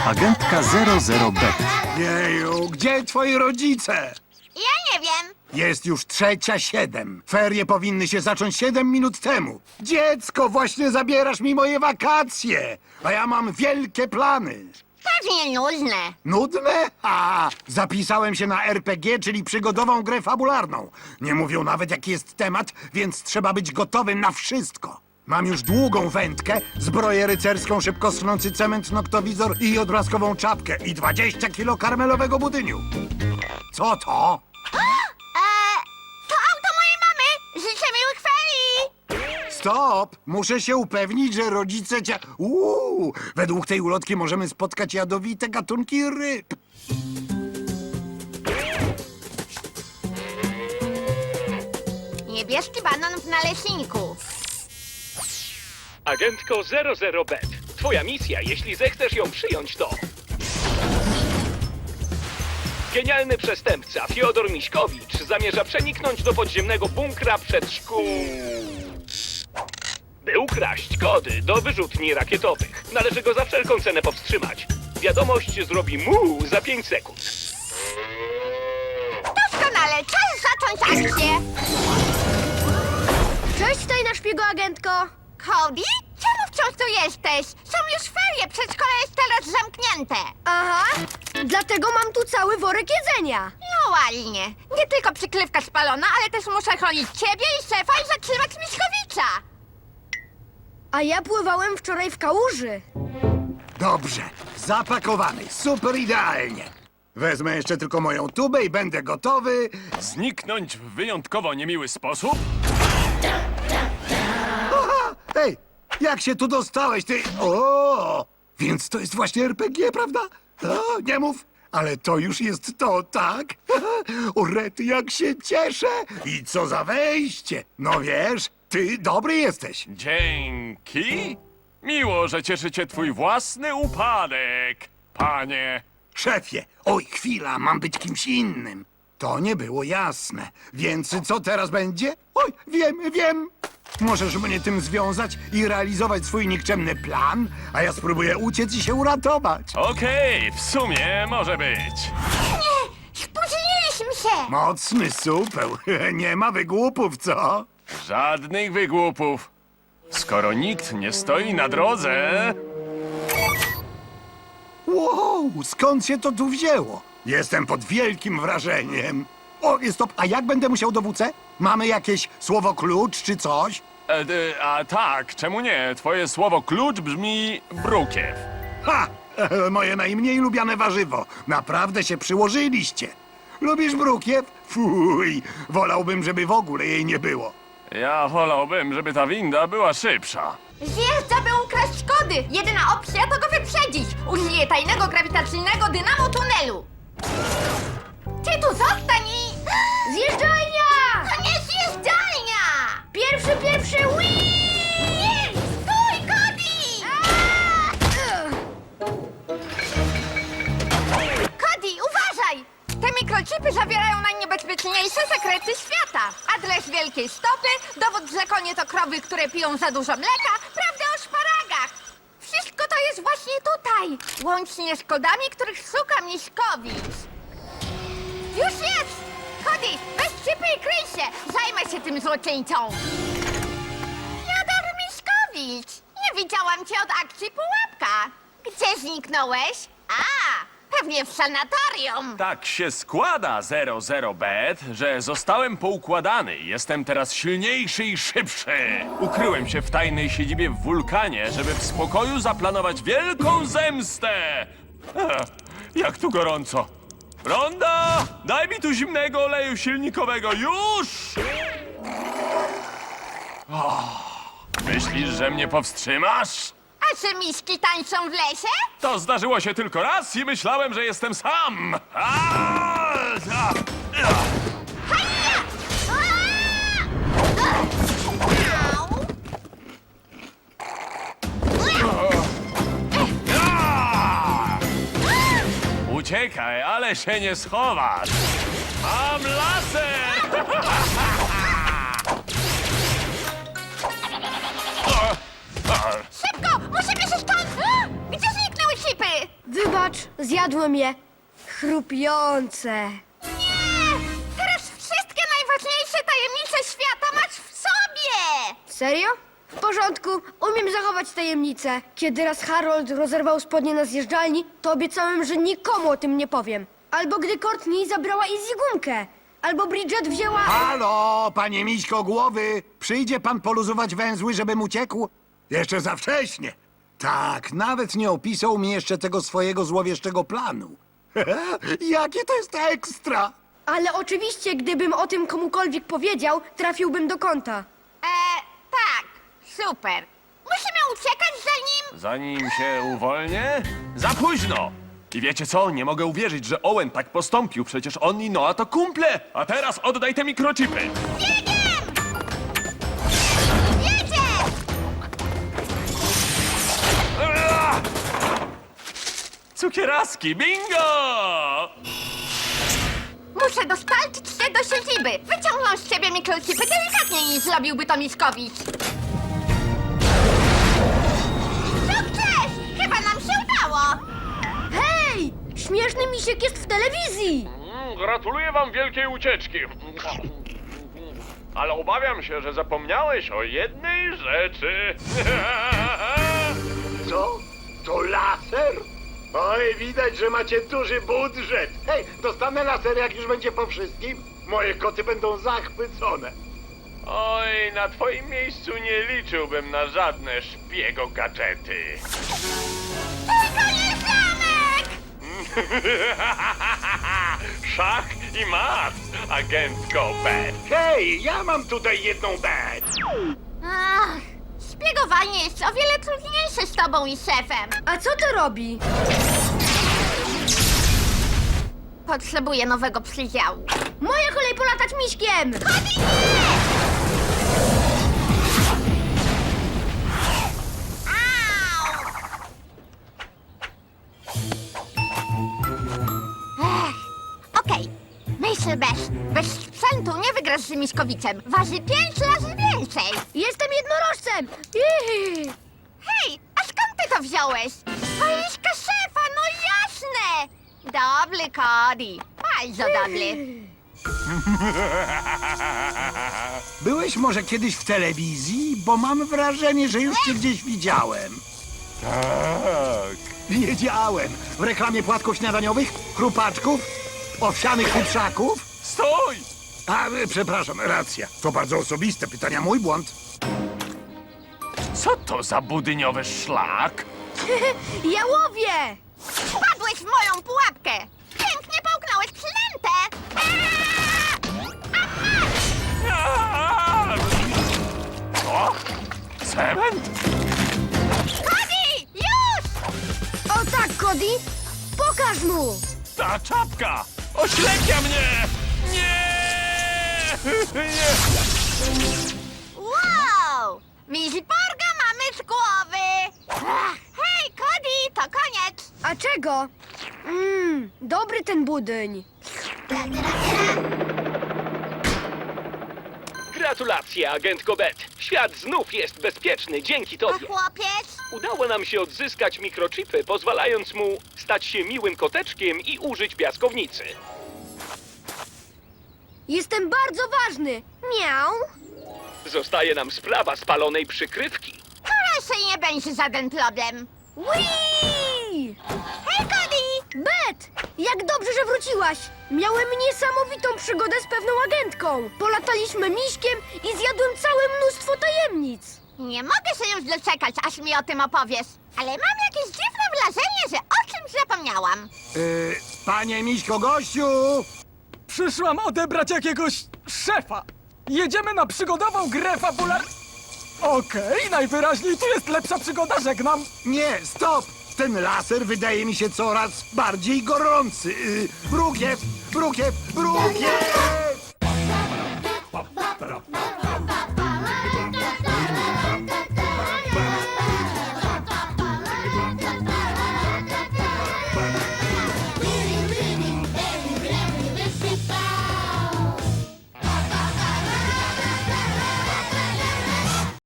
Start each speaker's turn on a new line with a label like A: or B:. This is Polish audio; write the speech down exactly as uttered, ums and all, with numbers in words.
A: Agentka zero zero Bet.
B: Jeju, gdzie twoi rodzice?
C: Ja nie wiem.
B: Jest już trzecia siedem. Ferie powinny się zacząć siedem minut temu. Dziecko, właśnie zabierasz mi moje wakacje, a ja mam wielkie plany.
C: Pewnie nudne.
B: Nudne? A, zapisałem się na er pe gie, czyli przygodową grę fabularną. Nie mówią nawet, jaki jest temat, więc trzeba być gotowym na wszystko. Mam już długą wędkę, zbroję rycerską, szybko schnący cement, noktowizor i odblaskową czapkę i dwadzieścia kilo karmelowego budyniu. Co to?
C: Eee, to auto mojej mamy. Życzę miłych ferii.
B: Stop! Muszę się upewnić, że rodzice cię... Uuu, według tej ulotki możemy spotkać jadowite gatunki ryb.
C: Niebieski banan w naleśniku.
D: Agentko zero zero Bet. Twoja misja, jeśli zechcesz ją przyjąć, to... Genialny przestępca Fiodor Miśkowicz zamierza przeniknąć do podziemnego bunkra przed szkół... by ukraść kody do wyrzutni rakietowych. Należy go za wszelką cenę powstrzymać. Wiadomość zrobi mu za pięć sekund.
C: Doskonale, czas zacząć akcję.
E: Cześć, tajna szpiegoagentko!
C: Cody? Czemu wciąż tu jesteś? Są już ferie, przedszkole jest teraz zamknięte.
E: Aha, dlatego mam tu cały worek jedzenia.
C: No ładnie. Nie tylko przykrywka spalona, ale też muszę chronić ciebie i szefa i zatrzymać Miśkowicza.
E: A ja pływałem wczoraj w kałuży.
B: Dobrze, zapakowany, super idealnie. Wezmę jeszcze tylko moją tubę i będę gotowy.
F: Zniknąć w wyjątkowo niemiły sposób?
B: Aha, hej, jak się tu dostałeś, ty... O, więc to jest właśnie er pe gie, prawda? O, nie mów, ale to już jest to, tak? O rety, jak się cieszę! I co za wejście! No wiesz, ty dobry jesteś.
F: Dzięki. Miło, że cieszy cię twój własny upadek, panie.
B: Szefie, oj, chwila, mam być kimś innym. To nie było jasne. Więc co teraz będzie? Oj, wiem, wiem. Możesz mnie tym związać i realizować swój nikczemny plan, a ja spróbuję uciec i się uratować.
F: Okej, w sumie może być.
C: Nie, spóźniliśmy się.
B: Mocny supeł. Nie ma wygłupów, co?
F: Żadnych wygłupów. Skoro nikt nie stoi na drodze...
B: Wow, skąd się to tu wzięło? Jestem pod wielkim wrażeniem. O, stop, a jak będę musiał dowódcę? Mamy jakieś słowo klucz czy coś?
F: E, e, a tak, czemu nie? Twoje słowo klucz brzmi brukiew.
B: Ha! Moje najmniej lubiane warzywo. Naprawdę się przyłożyliście. Lubisz brukiew? Fuj, wolałbym, żeby w ogóle jej nie było.
F: Ja wolałbym, żeby ta winda była szybsza.
C: Zjeżdża, by ukraść kody. Jedyna opcja to go wyprzedzić. Użyję tajnego grawitacyjnego dynamo tunelu. Ty tu zostań i...
E: Zjeżdżalnia!
C: To nie zjeżdżalnia!
E: Pierwszy, pierwszy, wii!
C: Nie! Stój, Cody! Cody, uważaj! Te mikrochipy zawierają najniebezpieczniejsze sekrety świata. Adres wielkiej stopy, dowód, że konie to krowy, które piją za dużo mleka, prawda o szparagach. Wszystko to jest właśnie tutaj. Łącznie z kodami, których szuka Miśkowicz. Już jest! Cody, weź chipy i kryj się! Zajmę się tym złoczyńcą! Fiodor Miśkowicz! Nie widziałam cię od akcji Pułapka! Gdzie zniknąłeś? A, pewnie w sanatorium!
F: Tak się składa, zero zero Bet, że zostałem poukładany. Jestem teraz silniejszy i szybszy. Ukryłem się w tajnej siedzibie w wulkanie, żeby w spokoju zaplanować wielką zemstę. Ech, jak tu gorąco. Ronda, daj mi tu zimnego oleju silnikowego, już! Oh, myślisz, że mnie powstrzymasz?
C: A czy miśki tańczą w lesie?
F: To zdarzyło się tylko raz i myślałem, że jestem sam. A, a, a.
C: Haja! Au!
F: Uciekaj, ale się nie schowasz. Mam laser!
C: Szybko! Musimy się stąd... Gdzie zniknęły chipy?
E: Wybacz, zjadłem je. Chrupiące.
C: Nie! Teraz wszystkie najważniejsze tajemnice świata masz w sobie!
E: Serio? W porządku, umiem zachować tajemnicę. Kiedy raz Harold rozerwał spodnie na zjeżdżalni, to obiecałem, że nikomu o tym nie powiem. Albo gdy Courtney zabrała Izzy gumkę. Albo Bridget wzięła...
B: Halo, panie Miśko Głowy! Przyjdzie pan poluzować węzły, żebym uciekł? Jeszcze za wcześnie. Tak, nawet nie opisał mi jeszcze tego swojego złowieszczego planu. Jakie to jest ekstra!
E: Ale oczywiście, gdybym o tym komukolwiek powiedział, trafiłbym do kąta.
C: E, tak, super. Musimy uciekać zanim...
F: Zanim się uwolnię? Za późno! I wiecie co? Nie mogę uwierzyć, że Owen tak postąpił. Przecież on i Noah to kumple. A teraz oddaj te mikrochipy.
C: Biegiem! Jedzie!
F: Cukieraski, bingo!
C: Muszę dostarczyć się do siedziby. Wyciągną z ciebie mikrochipy delikatniej niż zrobiłby to Miszkowicz. Sukces! Chyba nam się udało.
E: Hej! Śmieszny misiek jest w telewizji!
F: Mm, Gratuluję wam wielkiej ucieczki. Ale obawiam się, że zapomniałeś o jednej rzeczy.
B: Co? To laser? Oj, widać, że macie duży budżet. Hej, dostanę laser, jak już będzie po wszystkim. Moje koty będą zachwycone.
F: Oj, na twoim miejscu nie liczyłbym na żadne szpiego gadżety.
C: Tylko nie zamek!
F: Szach i mat, agentko B.
B: Hej, ja mam tutaj jedną bed.
C: Ach, szpiegowanie jest o wiele trudniejsze z tobą i szefem.
E: A co to robi?
C: Potrzebuję nowego przydziału.
E: Moja kolej polatać miśkiem!
C: Au! Ech, okej. Myśl bez. Bez sprzętu nie wygrasz z Miszkowicem. Waży pięć razy więcej.
E: Jestem jednorożcem! Ihi.
C: Hej, a skąd ty to wziąłeś? Walizka szefa, no jasne! Dobry, Cody. Bardzo dobry.
B: Byłeś może kiedyś w telewizji? Bo mam wrażenie, że już cię gdzieś widziałem.
F: Tak.
B: Wiedziałem. W reklamie płatków śniadaniowych, chrupaczków, owsianych futrzaków.
F: Stój!
B: A, e, przepraszam, racja. To bardzo osobiste pytania, mój błąd.
F: Co to za budyniowy szlak?
E: Ja łowię!
C: Wpadłeś w moją pułapkę. Pięknie połknąłeś przynętę.
F: Aaa! Co? Cement?
C: Cody, już!
E: O tak, Cody! Pokaż mu!
F: Ta czapka! Oślepia mnie! Nie! Nie!
C: Wow! Miziporga mamy z głowy. Ach, hej, Cody, to koniec.
E: A czego? Mmm, dobry ten budyń.
D: Gratulacje, agentko Bet. Świat znów jest bezpieczny dzięki
C: A
D: tobie.
C: chłopiec?
D: Udało nam się odzyskać mikrochipy, pozwalając mu stać się miłym koteczkiem i użyć piaskownicy.
E: Jestem bardzo ważny. Miau.
D: Zostaje nam sprawa spalonej przykrywki.
C: Proszę, nie będzie żaden problem.
E: Whee!
C: Hej, Cody!
E: Bet! Jak dobrze, że wróciłaś! Miałem niesamowitą przygodę z pewną agentką. Polataliśmy miśkiem i zjadłem całe mnóstwo tajemnic.
C: Nie mogę się już doczekać, aż mi o tym opowiesz. Ale mam jakieś dziwne wrażenie, że o czymś zapomniałam.
B: Yy, panie Miśko Gościu!
G: Przyszłam odebrać jakiegoś szefa. Jedziemy na przygodową grę fabular... Okej, najwyraźniej tu jest lepsza przygoda, żegnam.
B: Nie, stop! Ten laser wydaje mi się coraz bardziej gorący. Yy, brukiew, brukiew, brukiew!